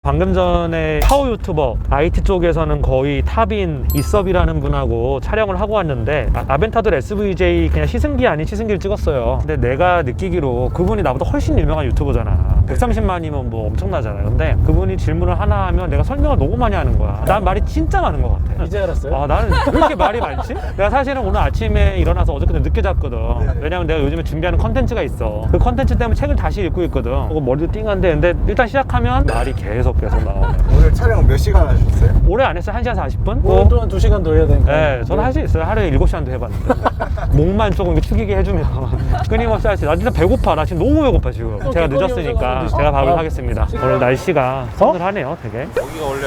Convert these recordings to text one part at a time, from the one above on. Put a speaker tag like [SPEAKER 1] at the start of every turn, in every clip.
[SPEAKER 1] 방금 전에 파워 유튜버 IT 쪽에서는 거의 탑인 이섭이라는 분하고 촬영을 하고 왔는데 아벤타돌 SVJ 그냥 시승기 아닌 시승기를 찍었어요. 근데 내가 느끼기로 그분이 나보다 훨씬 유명한 유튜버잖아. 130만이면 뭐 엄청나잖아요. 근데 그분이 질문을 하나 하면 내가 설명을 너무 많이 하는 거야. 난 말이 진짜 많은 것 같아.
[SPEAKER 2] 이제 알았어요?
[SPEAKER 1] 나는 왜 이렇게 말이 많지? 내가 사실은 오늘 아침에 일어나서 어저께 늦게 잤거든. 왜냐면 내가 요즘에 준비하는 컨텐츠가 있어. 그 컨텐츠 때문에 책을 다시 읽고 있거든. 머리도 띵한데 근데 일단 시작하면 말이 계속 나오네.
[SPEAKER 3] 오늘 촬영 몇 시간 하셨어요?
[SPEAKER 1] 오래 안 했어요. 1시간 40분?
[SPEAKER 2] 오늘 또한 2시간 더 해야 되니까.
[SPEAKER 1] 네, 저는 할 수 있어요. 하루에 7시간도 해봤는데. 목만 조금 이렇게 축이게 해주면 끊임없이 할 수 있어요. 나 진짜 배고파. 나 지금 너무 배고파 지금. 제가 늦었으니까 제가 밥을 하겠습니다. 오늘 날씨가 서늘하네요 되게.
[SPEAKER 4] 여기가 원래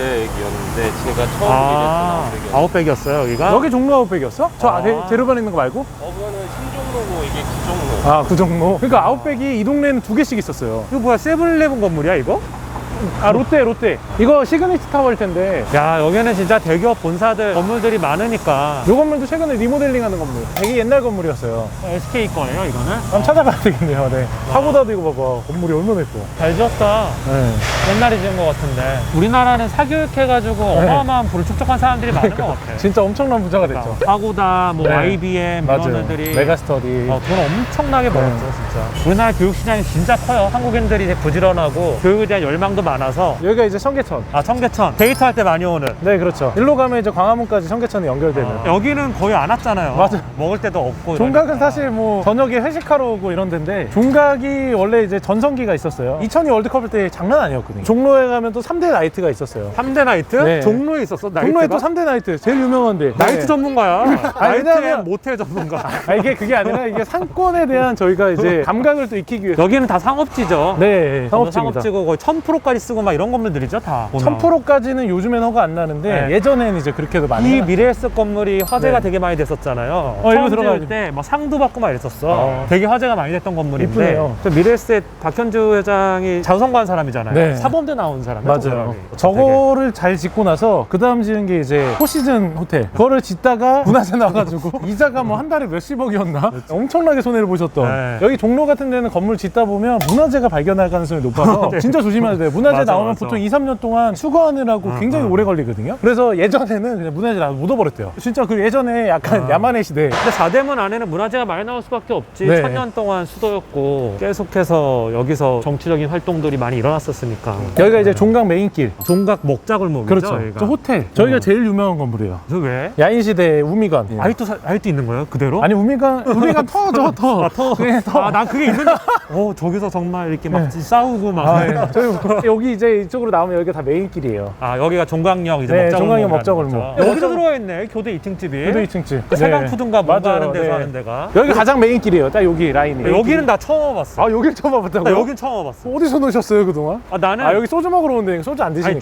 [SPEAKER 4] 아웃백이었는데 제가 처음 일했던 아웃백이었는데
[SPEAKER 1] 아웃백이었어요 여기가?
[SPEAKER 2] 여기 종로 아웃백이었어? 저 대로변에 있는 거 말고?
[SPEAKER 4] 그거는 신종로고 이게 구종로.
[SPEAKER 2] 아, 구정로. 그러니까 아웃백이 이 동네는 2개씩 있었어요.
[SPEAKER 1] 이거 뭐야 세븐일레븐 건물이야 이거?
[SPEAKER 2] 아, 롯데. 이거 시그니처 타워일 텐데.
[SPEAKER 1] 야 여기는 진짜 대기업 본사들 건물들이 많으니까.
[SPEAKER 2] 이 건물도 최근에 리모델링 하는 건물. 되게 옛날 건물이었어요.
[SPEAKER 1] SK 거예요 이거는?
[SPEAKER 2] 한번 찾아봐야 되겠네요. 네. 파고다도 이거 봐봐. 건물이 얼마나 예뻐.
[SPEAKER 1] 잘 지었다.
[SPEAKER 2] 네.
[SPEAKER 1] 옛날에 지은 것 같은데 우리나라는 사교육해가지고 어마어마한 부를 축적한 사람들이 많은 것 같아.
[SPEAKER 2] 진짜 엄청난 부자가 됐죠.
[SPEAKER 1] 파고다, 뭐
[SPEAKER 2] 네.
[SPEAKER 1] IBM 이런
[SPEAKER 2] 맞아요.
[SPEAKER 1] 애들이
[SPEAKER 2] 메가스터디.
[SPEAKER 1] 돈 엄청나게 벌었죠 진짜. 우리나라 교육 시장이 진짜 커요. 한국인들이 되게 부지런하고 교육에 대한 열망도 많아서.
[SPEAKER 2] 여기가 이제 청계천.
[SPEAKER 1] 청계천 데이트할 때 많이 오는.
[SPEAKER 2] 네, 그렇죠. 일로 가면 이제 광화문까지 청계천이 연결되는.
[SPEAKER 1] 여기는 거의 안 왔잖아요.
[SPEAKER 2] 맞아.
[SPEAKER 1] 먹을 때도 없고.
[SPEAKER 2] 종각은
[SPEAKER 1] 이러니까.
[SPEAKER 2] 사실 뭐 저녁에 회식하러 오고 이런 데인데 종각이 원래 이제 전성기가 있었어요. 2002 월드컵 때 장난 아니었거든요. 종로에 가면 또 3대 나이트가 있었어요.
[SPEAKER 1] 3대 나이트?
[SPEAKER 2] 네.
[SPEAKER 1] 종로에 있었어? 나이트가?
[SPEAKER 2] 종로에 또 3대 나이트 제일 유명한데.
[SPEAKER 1] 나이트
[SPEAKER 2] 네.
[SPEAKER 1] 전문가야. 나이트
[SPEAKER 2] 왜냐면-
[SPEAKER 1] 모텔 전문가.
[SPEAKER 2] 이게 그게 아니라 이게 상권에 대한 저희가 이제 감각을 또 익히기 위해서.
[SPEAKER 1] 여기는 다 상업지죠.
[SPEAKER 2] 네, 상업지입니다.
[SPEAKER 1] 상업지고 거의 1000%까지 쓰고 막 이런 건물들이죠 다.
[SPEAKER 2] 1000%까지는 요즘엔 허가 안 나는데
[SPEAKER 1] 네.
[SPEAKER 2] 예전에는 이제 그렇게도 많이.
[SPEAKER 1] 이 미래에셋 건물이 화제가
[SPEAKER 2] 네.
[SPEAKER 1] 되게 많이 됐었잖아요.
[SPEAKER 2] 일로
[SPEAKER 1] 처음
[SPEAKER 2] 들어가야지.
[SPEAKER 1] 지을 때 막 상도 받고 막 이랬었어. 되게 화제가 많이 됐던 건물인데.
[SPEAKER 2] 이쁘네요.
[SPEAKER 1] 저 미래에셋 박현주 회장이 자선관 사람이잖아요.
[SPEAKER 2] 네.
[SPEAKER 1] 사범대 나온 사람.
[SPEAKER 2] 맞아요. 저거를 잘 짓고 나서 그 다음 지은 게 이제 포시즌 호텔. 그거를 짓다가 문화재 나와가지고 이자가 뭐 한 달에 몇십억이었나? 엄청나게 손해를 보셨던.
[SPEAKER 1] 네.
[SPEAKER 2] 여기 종로 같은 데는 건물 짓다 보면 문화재가 발견할 가능성이 높아서
[SPEAKER 1] 네.
[SPEAKER 2] 진짜 조심해야 돼요. 문화재
[SPEAKER 1] 맞아,
[SPEAKER 2] 나오면
[SPEAKER 1] 맞아.
[SPEAKER 2] 보통 2, 3년 동안 수거하느라고 굉장히 오래 걸리거든요. 그래서 예전에는 그냥 문화재 나와서 묻어버렸대요. 진짜 그 예전에 약간 야만의 시대.
[SPEAKER 1] 근데 사대문 안에는 문화재가 많이 나올 수밖에 없지.
[SPEAKER 2] 네.
[SPEAKER 1] 1000년 동안 수도였고 계속해서 여기서 정치적인 활동들이 많이 일어났었으니까.
[SPEAKER 2] 여기가 이제 종각 메인길.
[SPEAKER 1] 종각 먹자골목이죠.
[SPEAKER 2] 그렇죠.
[SPEAKER 1] 여기가.
[SPEAKER 2] 저 호텔. 저희가 제일 유명한 건물이에요.
[SPEAKER 1] 그 왜?
[SPEAKER 2] 야인시대 우미관.
[SPEAKER 1] 아직도 있는 거예요? 그대로?
[SPEAKER 2] 아니 우미관 터죠 터.
[SPEAKER 1] 터.
[SPEAKER 2] 그게 터.
[SPEAKER 1] 난 그게 있는데. 저기서 정말 이렇게 막 싸우고 막.
[SPEAKER 2] 아, 네. 저희 여기 이제 이쪽으로 나오면 여기가 다 메인길이에요.
[SPEAKER 1] 여기가 종각역 이제
[SPEAKER 2] 네,
[SPEAKER 1] 먹자골목.
[SPEAKER 2] 종각역 먹자골목.
[SPEAKER 1] 여기도 들어와 있네. 교대 2층집이.
[SPEAKER 2] 그도 2층집.
[SPEAKER 1] 그 세강푸드인가 뭔가 하는 데서
[SPEAKER 2] 네.
[SPEAKER 1] 하는 데가.
[SPEAKER 2] 여기 가장 메인길이에요. 딱 여기 라인이.
[SPEAKER 1] 여기는 나 처음 와봤어.
[SPEAKER 2] 아, 여길 처음 와봤다고요?
[SPEAKER 1] 나 여긴 처음 와봤어.
[SPEAKER 2] 어디서 노셨어요 그동안?
[SPEAKER 1] 나는
[SPEAKER 2] 아, 여기 소주 먹으러 오는데 소주 안 드시니까.
[SPEAKER 1] 아니,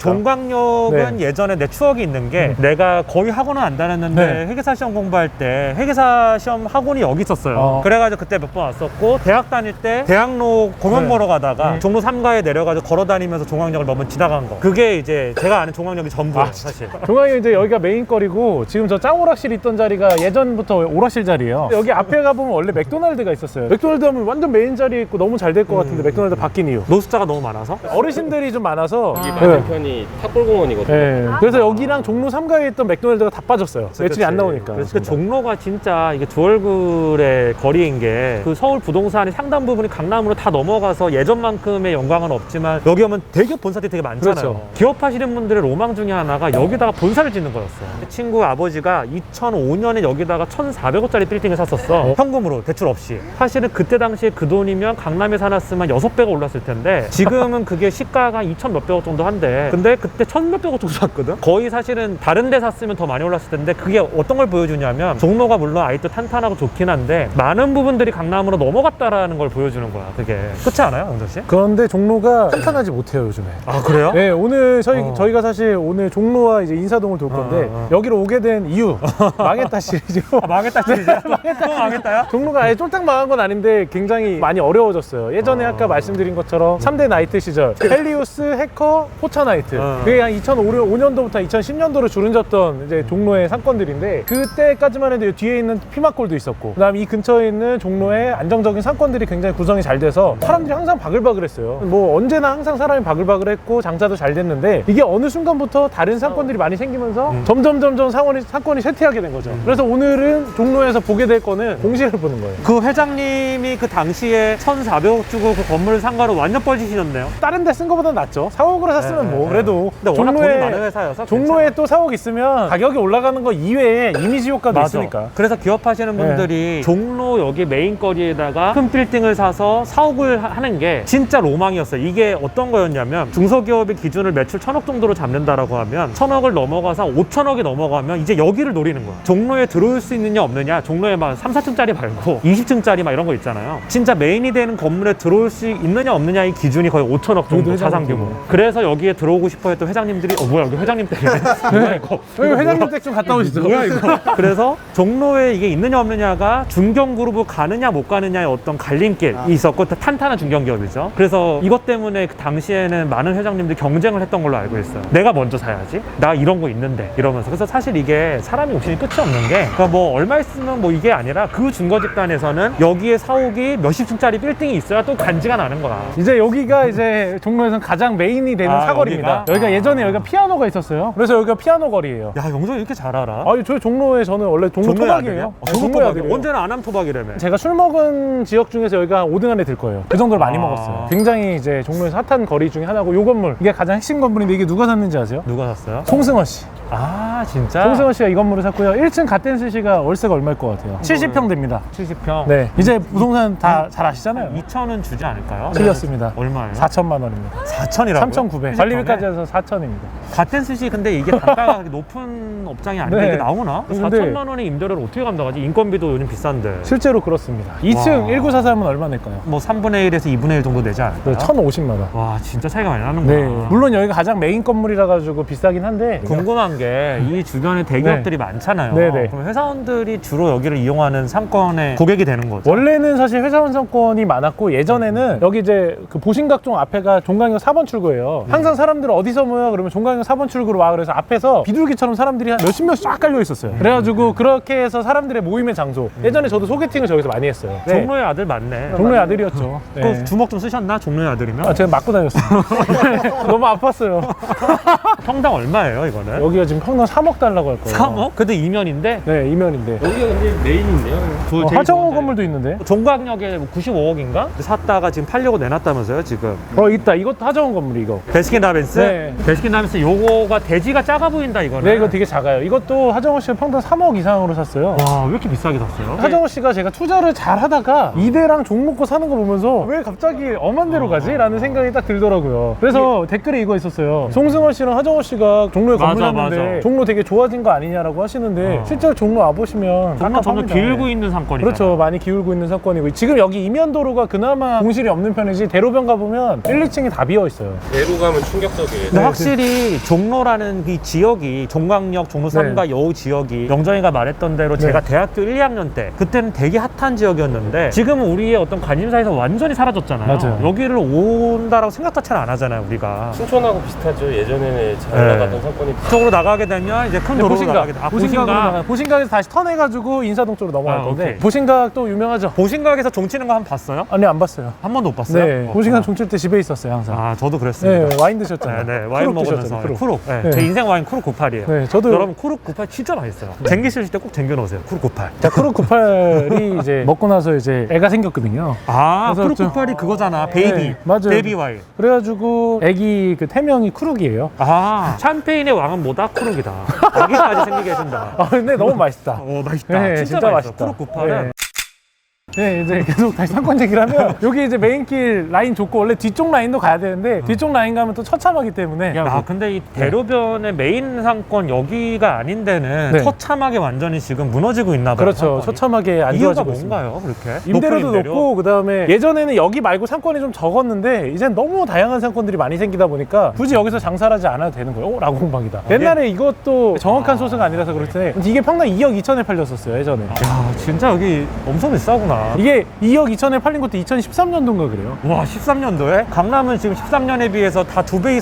[SPEAKER 1] 종각역은 예전에 내 추억이 있는 게 내가 거의 학원은 안 다녔는데
[SPEAKER 2] 네.
[SPEAKER 1] 회계사 시험 공부할 때 회계사 시험 학원이 여기 있었어요. 그래가지고 그때 몇 번 왔었고 대학 다닐 때 대학로 공연
[SPEAKER 2] 네.
[SPEAKER 1] 보러 가다가 종로 3가에 내려가지고 걸어 다니면서 종각역을 몇 번 지나간 거. 그게 이제 제가 아는 종각역이 전부예요 사실.
[SPEAKER 2] 종각이 이제 여기가 메인거리고 지금 저 짱오락실 있던 자리가 예전부터 오락실 자리예요. 여기 앞에 가보면 원래 맥도날드가 있었어요. 맥도날드 하면 완전 메인 자리에 있고 너무 잘 될 것 같은데 맥도날드 바뀐 이유.
[SPEAKER 1] 노숙자가 너무 많아서?
[SPEAKER 2] 어르신들이 좀 많아서.
[SPEAKER 4] 여기 맞은편이 탑골공원이거든요.
[SPEAKER 2] 네. 그래서 여기랑 종로 3가에 있던 맥도날드가 다 빠졌어요. 매출이 안 나오니까.
[SPEAKER 1] 그래서 그 종로가 진짜 이게 두 얼굴의 거리인 게 그 서울 부동산이 상당 부분이 강남으로 다 넘어가서 예전만큼의 영광은 없지만 여기 오면 대기업 본사들이 되게 많잖아요.
[SPEAKER 2] 그렇죠.
[SPEAKER 1] 기업하시는 분들의 로망 중에 하나가 여기다가 본사를 짓는 거였어. 친구 아버지가 2005년에 여기다가 1,400억짜리 빌딩을 샀었어. 현금으로 대출 없이. 사실은 그때 당시에 그 돈이면 강남에 살았으면 6배가 올랐을 텐데 지금은 그게 시가가 2천 몇백억 정도 한대. 근데 그때 1,몇백억 정도 샀거든. 거의 사실은 다른 데 샀으면 더 많이 올랐을 텐데 그게 어떤 걸 보여주냐면 종로가 물론 아직도 탄탄하고 좋긴 한데 많은 부분들이 강남으로 넘어갔다라는 걸 보여주는 거야. 그게 그렇지 않아요, 영정 씨?
[SPEAKER 2] 그런데 종로가 탄탄하지 못해요 요즘에.
[SPEAKER 1] 아 그래요?
[SPEAKER 2] 네, 오늘 저희가 사실 오늘 종로와 이제 인사동을 돌 건데 여기로 오게 된 이유 망했다 시리즈로.
[SPEAKER 1] 망했다 시리즈. 망했다요?
[SPEAKER 2] 종로가 아예 쫄딱 망한 건 아닌데 굉장히 많이 어려워졌어요. 예전에 아까 말씀드린 것처럼 3대 나이트 시절 헬리우스, 해커, 포차 나이트 그게 한 2005년도부터 2010년도로 주름졌던 이제 종로의 상권들인데 그때까지만 해도 뒤에 있는 피마골도 있었고 그다음에 이 근처에 있는 종로의 안정적인 상권들이 굉장히 구성이 잘 돼서 사람들이 항상 바글바글했어요. 뭐 언제나 항상 사람이 바글바글했고 장사도 잘 됐는데 이게 어느 순간부터 다른 상권들이 많이 생기면서 점점 상권이 쇠퇴하게 된 거죠. 그래서 오늘은 종로에서 보게 될 거는 공시를 보는 거예요.
[SPEAKER 1] 그 회장님이 그 당시에 1,400억 주고 그 건물을 산 거로 완전 뻘짓이셨네요.
[SPEAKER 2] 다른 데 쓴 거보다 낫죠. 4억으로 샀으면 뭐 그래도
[SPEAKER 1] 근데 워낙 돈이 많은 회사여서
[SPEAKER 2] 종로에 또 4억 있으면 가격이 올라가는 거 이외에 이미지 효과도 있으니까.
[SPEAKER 1] 그래서 기업하시는 분들이 종로 여기 메인거리에다가 큰 빌딩을 사서 사옥을 하는 게 진짜 로망이었어요. 이게 어떤 거였냐면 중소기업의 기준을 매출 1,000억 정도로 잡는다라고 하면 1,000억을 넘어가서 5,000억이 넘어가면 이제 여기를 노리는 거야. 종로에 들어올 수 있느냐 없느냐, 종로에 막 3, 4층짜리 말고 20층짜리 막 이런 거 있잖아요. 진짜 메인이 되는 건물에 들어올 수 있느냐 없느냐의 기준이 거의 5,000억 정도 자산 규모. 그래서 여기에 들어오고 싶어 했던 회장님들이 뭐야 여기 회장님 댁이네. 뭐야 이거.
[SPEAKER 2] 여기 회장님 댁 좀 갔다 오시죠.
[SPEAKER 1] 뭐야 이거. 그래서 종로에 이게 있느냐 없느냐가 중견그룹으로 가느냐 못 가느냐의 어떤 갈림길이 있었고 탄탄한 중견기업이죠. 그래서 이것 때문에 그 당시에는 많은 회장님들이 경쟁을 했던 걸로 알고 있어요. 내가 먼저 사야지. 나 이런 거 있는데 이러면서. 그래서 사실 이게 사람이 욕심이 끝이 없는 게 그러니까 뭐 얼마 있으면 뭐 이게 아니라 그 중거 집단에서는 여기에 사옥이 몇십 층짜리 빌딩이 있어야 또 간지가 나는 거야.
[SPEAKER 2] 이제 여기가 이제 종로에서 가장 메인이 되는 사거리입니다. 여기가 예전에 여기가 피아노가 있었어요. 그래서 여기가 피아노 거리예요.
[SPEAKER 1] 야 영조 이렇게 잘 알아?
[SPEAKER 2] 아니 저희 종로에 저는 원래 종로 토박이에요.
[SPEAKER 1] 종로
[SPEAKER 2] 종로의
[SPEAKER 1] 토박이.
[SPEAKER 2] 아들이에요.
[SPEAKER 1] 언제나 안암 토박이라며.
[SPEAKER 2] 제가 술 먹은 지역 중에서 여기가 5등 안에 들 거예요. 그 정도로 많이 먹었어요. 굉장히 이제 종로에서 핫한 거리 중에 하나고 요 건물 이게 가장 핵심 건물인데 이게 누가 샀는지 아세요?
[SPEAKER 1] 누가 샀어요?
[SPEAKER 2] 송승헌 씨.
[SPEAKER 1] 아 진짜?
[SPEAKER 2] 송승헌 씨가 이 건물을 샀고요. 1층 갓댄스 씨가 월세가 얼마일 것 같아요? 70평 됩니다.
[SPEAKER 1] 70평.
[SPEAKER 2] 네, 이제 부동산 다 잘 아시잖아요.
[SPEAKER 1] 2천은 주지 않을까요?
[SPEAKER 2] 틀렸습니다.
[SPEAKER 1] 얼마예요?
[SPEAKER 2] 4천만 원입니다.
[SPEAKER 1] 4천이라고요?
[SPEAKER 2] 3,900. 관리비까지 해서 4천입니다.
[SPEAKER 1] 갓댄스시 근데 이게 단가가 높은 업장이 아닌데
[SPEAKER 2] 네.
[SPEAKER 1] 이게 나오나?
[SPEAKER 2] 근데
[SPEAKER 1] 4천만 원의 임대료를 어떻게 감당하지? 인건비도 요즘 비싼데.
[SPEAKER 2] 실제로 그렇습니다. 2층
[SPEAKER 1] 와.
[SPEAKER 2] 1943은 얼마 낼까요?
[SPEAKER 1] 뭐 3분의 1에서 2분의 1 정도 되지 않을까요?
[SPEAKER 2] 1,050만 원.
[SPEAKER 1] 와 진짜 차이가 많이 나는구나.
[SPEAKER 2] 네. 물론 여기가 가장 메인 건물이라 가지고 비싸긴 한데
[SPEAKER 1] 궁금한 게 이 주변에 대기업들이 많잖아요.
[SPEAKER 2] 네네.
[SPEAKER 1] 그럼 회사원들이 주로 여기를 이용하는 상권의 고객이 되는 거죠.
[SPEAKER 2] 원래는 사실 회사원 상권이 많았고 예전에는 여기 이제 그 보신각종 앞에가 종강역 4번 출구예요. 항상 사람들 어디서 모여 그러면 종강역 4번 출구로 와 그래서 앞에서 비둘기처럼 사람들이 한 몇십 명씩 쫙 깔려 있었어요. 그래가지고 그렇게 해서 사람들의 모임의 장소. 예전에 저도 소개팅을 저기서 많이 했어요. 네.
[SPEAKER 1] 종로의 아들 맞네.
[SPEAKER 2] 종로의 아들이었죠. 네.
[SPEAKER 1] 그 주먹 좀 쓰셨나? 종로의 아들이면?
[SPEAKER 2] 아, 제가 맞고 다녔어요. 너무 아팠어요.
[SPEAKER 1] 평당 얼마예요 이거는?
[SPEAKER 2] 여기가 지금 평당 3억 달라고 할 거예요.
[SPEAKER 1] 3억? 근데 이면인데?
[SPEAKER 2] 네, 이면인데.
[SPEAKER 4] 여기가 근데 메인인데요.
[SPEAKER 2] 하정우 건물도 있는데.
[SPEAKER 1] 종각역에 95억인가? 샀다가 지금 팔려고 내놨다면서요 지금.
[SPEAKER 2] 있다. 이것도 하정우 건물 이거.
[SPEAKER 1] 베스킨라빈스?
[SPEAKER 2] 네.
[SPEAKER 1] 베스킨라빈스 요거가 대지가 작아 보인다 이거는.
[SPEAKER 2] 네, 이거 되게 작아요. 이것도 하정우 씨가 평당 3억 이상으로 샀어요.
[SPEAKER 1] 와, 왜 이렇게 비싸게 샀어요?
[SPEAKER 2] 하정우 씨가 제가 투자를 잘 하다가 이대랑 종목고 사는 거 보면서 왜 갑자기 엄한 데로 가지? 라는 생각이 딱 들더라고요. 그래서 댓글에 이거 있었어요. 송승헌 씨랑 하정우 씨가 종로에 건물
[SPEAKER 1] 맞아,
[SPEAKER 2] 샀는데
[SPEAKER 1] 맞아.
[SPEAKER 2] 종로 되게 좋아진 거 아니냐라고 하시는데 실제로 종로 와보시면
[SPEAKER 1] 정말 점점
[SPEAKER 2] 깝깝합니다.
[SPEAKER 1] 기울고 있는 상권이죠.
[SPEAKER 2] 그렇죠. 많이 기울고 있는 사건이고 지금 여기 이면도로가 그나마 공실이 없는 편이지 대로변 가보면 1, 2층이 다 비어 있어요.
[SPEAKER 4] 대로 가면 충격적이에요.
[SPEAKER 1] 근데 확실히 종로라는 이 지역이 종강역, 종로 3가 요 지역이 영정이가 말했던 대로 제가 대학교 1, 2학년 때 그때는 되게 핫한 지역이었는데 지금은 우리의 어떤 관심사에서 완전히 사라졌잖아요.
[SPEAKER 2] 맞아요.
[SPEAKER 1] 여기를 온다라고 생각 자체를 안 하잖아요, 우리가.
[SPEAKER 4] 춘천하고 비슷하죠. 예전에는 잘
[SPEAKER 1] 네.
[SPEAKER 4] 나가던 상권이
[SPEAKER 1] 쪽으로 나가게 되면 이제 큰 도로로 나가게 돼. 아, 보신각.
[SPEAKER 2] 보신각에서 다시 턴해가지고 인사동 쪽으로 넘어갈
[SPEAKER 1] 아,
[SPEAKER 2] 건데
[SPEAKER 1] 오케이.
[SPEAKER 2] 보신각도 유명하죠.
[SPEAKER 1] 보신각에서 종치는 거 한 번 봤어요?
[SPEAKER 2] 아니 안 봤어요.
[SPEAKER 1] 한 번도 못 봤어요?
[SPEAKER 2] 네, 보신각 종칠 때 집에 있었어요 항상.
[SPEAKER 1] 아, 저도 그랬습니다.
[SPEAKER 2] 네, 와인 드셨잖아요.
[SPEAKER 1] 네, 와인
[SPEAKER 2] 크룩
[SPEAKER 1] 먹으면서
[SPEAKER 2] 드셨잖아요,
[SPEAKER 1] 쿠룩. 네,
[SPEAKER 2] 네.
[SPEAKER 1] 제 인생 와인 쿠룩 98이에요.
[SPEAKER 2] 네, 저도
[SPEAKER 1] 여러분 쿠룩 98 진짜 맛있어요. 쟁기실 때 꼭 쟁겨놓으세요. 쿠룩 98.
[SPEAKER 2] 자, 크룩 98이 이제 먹고 나서 이제 애가 생겼거든요.
[SPEAKER 1] 아,
[SPEAKER 2] 그래서
[SPEAKER 1] 쿠룩 98이 그거잖아. 베이비.
[SPEAKER 2] 네, 맞아요.
[SPEAKER 1] 베이비 와인.
[SPEAKER 2] 그래가지고 애기 그 태명이 크룩이에요.
[SPEAKER 1] 아, 샴페인의 왕은 뭐다? 쿠룩이다. 여기까지 생기게 해준다.
[SPEAKER 2] 아 근데 너무 맛있다.
[SPEAKER 1] 오, 맛있다.
[SPEAKER 2] 네,
[SPEAKER 1] 진짜,
[SPEAKER 2] 진짜
[SPEAKER 1] 맛있어.
[SPEAKER 2] 맛있다.
[SPEAKER 1] 쿠룩 98은
[SPEAKER 2] 네. 네, 이제 계속 다시 상권 얘기를 하면 여기 이제 메인길 라인 좋고 원래 뒤쪽 라인도 가야 되는데 뒤쪽 라인 가면 또 처참하기 때문에
[SPEAKER 1] 아, 근데 이 대로변의 메인 상권 여기가 아닌 데는
[SPEAKER 2] 네.
[SPEAKER 1] 처참하게 완전히 지금 무너지고 있나 봐요.
[SPEAKER 2] 그렇죠.
[SPEAKER 1] 상권이.
[SPEAKER 2] 처참하게 안
[SPEAKER 1] 이유가
[SPEAKER 2] 좋아지고 있습니다.
[SPEAKER 1] 뭔가요, 그렇게?
[SPEAKER 2] 임대료도
[SPEAKER 1] 높은 임대료?
[SPEAKER 2] 높고 그다음에 예전에는 여기 말고 상권이 좀 적었는데 이젠 너무 다양한 상권들이 많이 생기다 보니까 굳이 여기서 장사를 하지 않아도 되는 거예요. 오, 라공방이다. 옛날에 이것도 정확한 소스가 아니라서 그렇을 텐데 이게 평당 2억 2천에 팔렸었어요, 예전에.
[SPEAKER 1] 야, 진짜 여기 엄청 비싸구나.
[SPEAKER 2] 이게 2억 2천에 팔린 것도 2013년도인가 그래요.
[SPEAKER 1] 와, 13년도에? 강남은 지금 13년에 비해서 다 2배 이상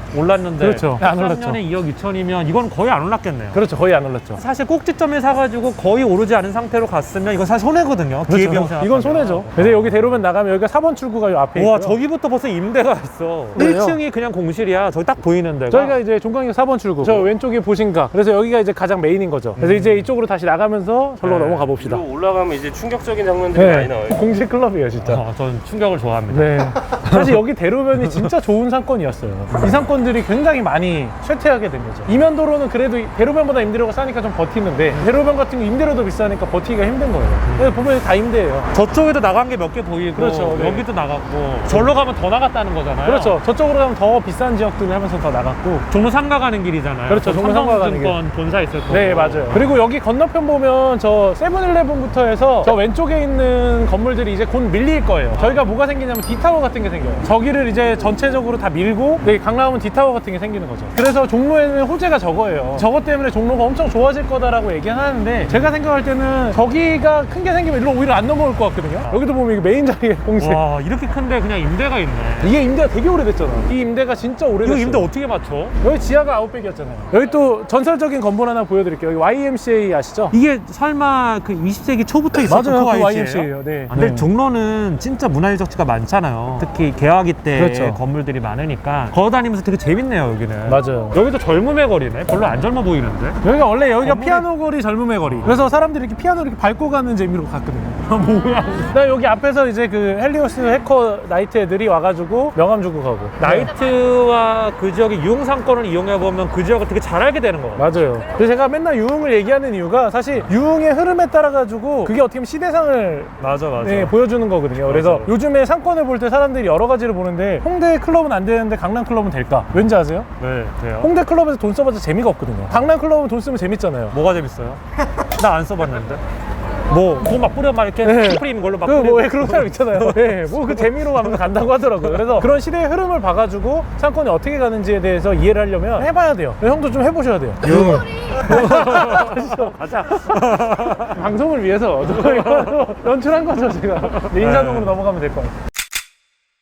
[SPEAKER 1] 올랐는데
[SPEAKER 2] 그렇죠. 안 올랐죠.
[SPEAKER 1] 3년에 2억 2천이면 이건 거의 안 올랐겠네요.
[SPEAKER 2] 그렇죠. 거의 안 올랐죠.
[SPEAKER 1] 사실 꼭지점에 사가지고 거의 오르지 않은 상태로 갔으면 이건 사실 손해거든요. 기회비용 생각하면.
[SPEAKER 2] 이건 손해죠. 근데 여기 대로변 나가면 여기가 4번 출구가 요 앞에
[SPEAKER 1] 와,
[SPEAKER 2] 있고요.
[SPEAKER 1] 저기부터 벌써 임대가 있어.
[SPEAKER 2] 그래요?
[SPEAKER 1] 1층이 그냥 공실이야. 저기 딱 보이는 데가.
[SPEAKER 2] 저희가 이제 종강역 4번 출구. 저 왼쪽이 보신가. 그래서 여기가 이제 가장 메인인 거죠. 그래서 이제 이쪽으로 다시 나가면서 절로
[SPEAKER 1] 네.
[SPEAKER 2] 넘어가 봅시다.
[SPEAKER 4] 위로 올라가면 이제 충격적인 장면들이 많이 나와요.
[SPEAKER 2] 공실 클럽이에요, 진짜.
[SPEAKER 1] 전 충격을 좋아합니다.
[SPEAKER 2] 네. 사실 여기 대로변이 진짜 좋은 상권이었어요. 이 상권들이 굉장히 많이 쇠퇴하게 된 거죠. 이면도로는 그래도 대로변보다 임대료가 싸니까 좀 버티는데 대로변 같은 거 임대료도 비싸니까 버티기가 힘든 거예요. 그래서 보면 다 임대예요.
[SPEAKER 1] 저쪽에도 나간 게 몇 개 보이고
[SPEAKER 2] 그렇죠, 네.
[SPEAKER 1] 여기도 나갔고 절로 가면 더 나갔다는 거잖아요.
[SPEAKER 2] 그렇죠. 저쪽으로 가면 더 비싼 지역들을 하면서 더 나갔고.
[SPEAKER 1] 종로 상가 가는 길이잖아요.
[SPEAKER 2] 그렇죠, 종로 상가 가는 길.
[SPEAKER 1] 삼성증권 본사 있을 거고.
[SPEAKER 2] 네, 맞아요. 그리고 여기 건너편 보면 저 세븐일레븐부터 해서 저 왼쪽에 있는 건물들이 이제 곧 밀릴 거예요. 저희가 뭐가 생기냐면 D타워 같은 게 생겨요. 저기를 이제 전체적으로 다 밀고 여기 강남은 D타워 같은 게 생기는 거죠. 그래서 종로에는 호재가 저거예요. 저것 때문에 종로가 엄청 좋아질 거다라고 얘기하는데 제가 생각할 때는 저기가 큰 게 생기면 일로 오히려 안 넘어올 것 같거든요. 여기도 보면 이게 메인 자리에 공실.
[SPEAKER 1] 와, 이렇게 큰데 그냥 임대가 있네.
[SPEAKER 2] 이게 임대가 되게 오래됐잖아. 이 임대가 진짜 오래됐어요.
[SPEAKER 1] 이거 임대 어떻게 맞춰?
[SPEAKER 2] 여기 지하가 아웃백이었잖아요. 여기 또 전설적인 건물 하나 보여드릴게요. 여기 YMCA 아시죠?
[SPEAKER 1] 이게 설마 그 20세기 초부터 있었던
[SPEAKER 2] 맞아요.
[SPEAKER 1] 그
[SPEAKER 2] 그
[SPEAKER 1] YMCA
[SPEAKER 2] YMCA예요.
[SPEAKER 1] 예요?
[SPEAKER 2] 네.
[SPEAKER 1] 근데
[SPEAKER 2] 네.
[SPEAKER 1] 종로는 진짜 문화유적 지가 많잖아요. 특히 개화기 때
[SPEAKER 2] 그렇죠.
[SPEAKER 1] 건물들이 많으니까 걸어다니면서 되게 재밌네요, 여기는.
[SPEAKER 2] 맞아요.
[SPEAKER 1] 여기도 젊음의 거리네. 별로 안 젊어 보이는데.
[SPEAKER 2] 여기가 원래 여기가
[SPEAKER 1] 건물이-
[SPEAKER 2] 피아노 거리 젊음의 거리. 그래서 사람들이 이렇게 피아노를 이렇게 밟고 가는 재미로 갔거든요. 뭐야? 나 여기 앞에서 이제 그 헬리오스 해커 나이트 애들이 와가지고 명함 주고 가고.
[SPEAKER 1] 나이트와 그 지역의 유흥 상권을 이용해 보면 그 지역을 되게 잘 알게 되는 것 같아요.
[SPEAKER 2] 맞아요. 그래서 제가 맨날 유흥을 얘기하는 이유가 사실 유흥의 흐름에 따라 가지고 그게 어떻게 보면 시대상을
[SPEAKER 1] 맞아.
[SPEAKER 2] 네, 보여주는 거거든요. 그래서
[SPEAKER 1] 맞아요.
[SPEAKER 2] 요즘에 상권을 볼 때 사람들이 여러 가지를 보는데 홍대 클럽은 안 되는데 강남 클럽은 될까? 왠지 아세요?
[SPEAKER 1] 네, 돼요.
[SPEAKER 2] 홍대 클럽에서 돈 써봤자 재미가 없거든요. 강남 클럽은 돈 쓰면 재밌잖아요.
[SPEAKER 1] 뭐가 재밌어요? 나 안 써봤는데. 뭐, 그거 막 뿌려 막 이렇게
[SPEAKER 2] 네.
[SPEAKER 1] 스프림 걸로 막
[SPEAKER 2] 그
[SPEAKER 1] 뿌리고.
[SPEAKER 2] 뭐 그런 사람 있잖아요. 네, 뭐 그 재미로 가면서 간다고 하더라고요. 그래서 그런 시대의 흐름을 봐가지고 상권이 어떻게 가는지에 대해서 이해를 하려면 해봐야 돼요. 형도 좀 해보셔야 돼요.
[SPEAKER 1] 유흥을. 가자.
[SPEAKER 2] 방송을 위해서 연출한 거죠, 제가. 네, 인사동으로 넘어가면 될 것 같아요.